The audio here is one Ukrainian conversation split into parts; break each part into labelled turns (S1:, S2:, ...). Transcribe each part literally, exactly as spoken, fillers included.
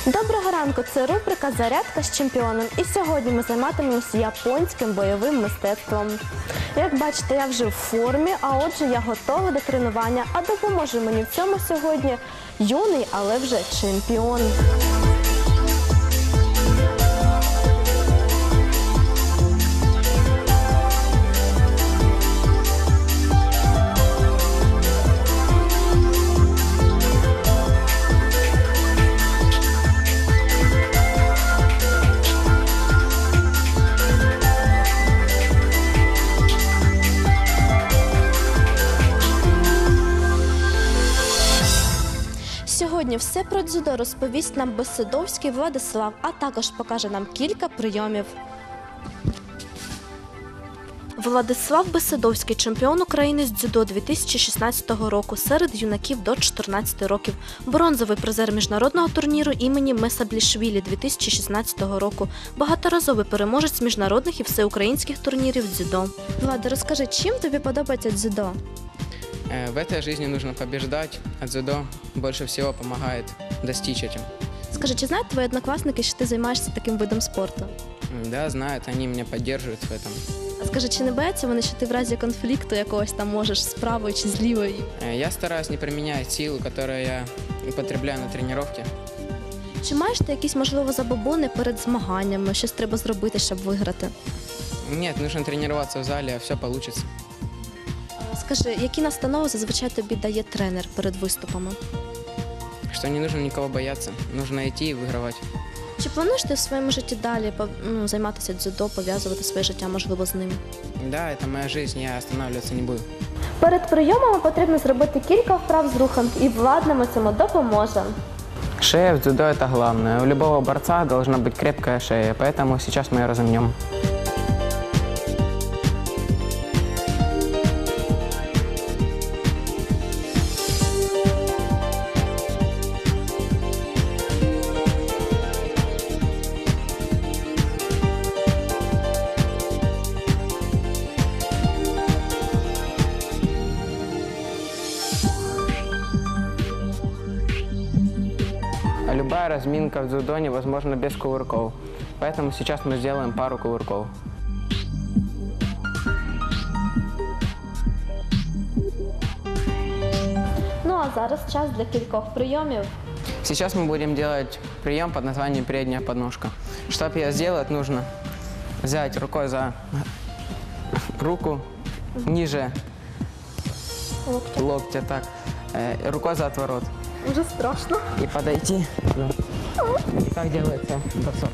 S1: Доброго ранку! Це рубрика «Зарядка з чемпіоном». І сьогодні ми займатимемося японським бойовим мистецтвом. Як бачите, я вже в формі, а отже я готова до тренування. А допоможе мені в цьому сьогодні юний, але вже чемпіон. Сьогодні все про дзюдо розповість нам Беседовський Владислав, а також покаже нам кілька прийомів. Владислав Беседовський – чемпіон України з дзюдо дві тисячі шістнадцятого року серед юнаків до чотирнадцяти років, бронзовий призер міжнародного турніру імені Месаблішвілі дві тисячі шістнадцятого року, багаторазовий переможець міжнародних і всеукраїнських турнірів дзюдо. Влада, розкажи, чим тобі подобається дзюдо?
S2: В этой жизни нужно побеждать, а дзюдо больше всего помогает достичь этим.
S1: Скажи, чи знають твої однокласники, що ти займаєшся таким видом спорту?
S2: Да, знают, они меня поддерживают в этом.
S1: А скажи, чи не бояться вони, що ти в разі конфлікту якогось там можеш з правої чи з лівої?
S2: Я стараюсь не применять силу, которую я употребляю на тренировке.
S1: Чи маєш ти якісь, можливо, забобони перед змаганнями, щось треба зробити, щоб виграти?
S2: Нет, нужно тренироваться в зале, а все получится.
S1: Скажи, які настанови зазвичай тобі дає тренер перед виступами?
S2: Что не нужно никого бояться, нужно идти и выигрывать.
S1: Чи плануєш ти в своєму житті далі ну, займатися дзюдо, пов'язувати своє життя, можливо, з ним?
S2: Да, это моя жизнь, я останавливаться не буду.
S1: Перед прийомами потрібно зробити кілька вправ з рухом, і Влад нам у цьому допоможе.
S2: Шея в дзюдо – это главное. У любого борца должна быть крепкая шея, поэтому сейчас мы ее разомнем. Любая разминка в дзюдо невозможна без кувырков. Поэтому сейчас мы сделаем пару кувырков.
S1: Ну а зараз час для кількох прийомів.
S2: Сейчас мы будем делать прием под названием передняя подножка. Чтобы ее сделать, нужно взять рукой за руку ниже
S1: Локтя.
S2: локтя, так, э, рукой за отворот.
S1: Уже страшно.
S2: И подойти. И так делается бросок.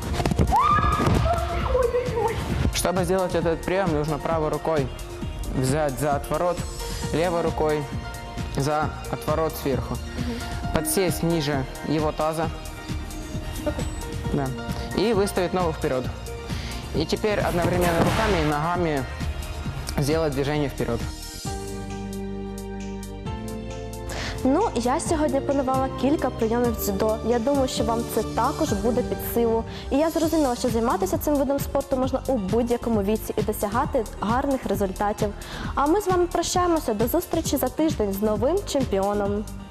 S2: Чтобы сделать этот прием, нужно правой рукой взять за отворот, левой рукой за отворот сверху. Угу. Подсесть ниже его таза. Да. И выставить ногу вперед. И теперь одновременно руками и ногами сделать движение вперед.
S1: Ну, я сьогодні планувала кілька прийомів дзюдо. Я думаю, що вам це також буде під силу. І я зрозуміла, що займатися цим видом спорту можна у будь-якому віці і досягати гарних результатів. А ми з вами прощаємося до зустрічі за тиждень з новим чемпіоном.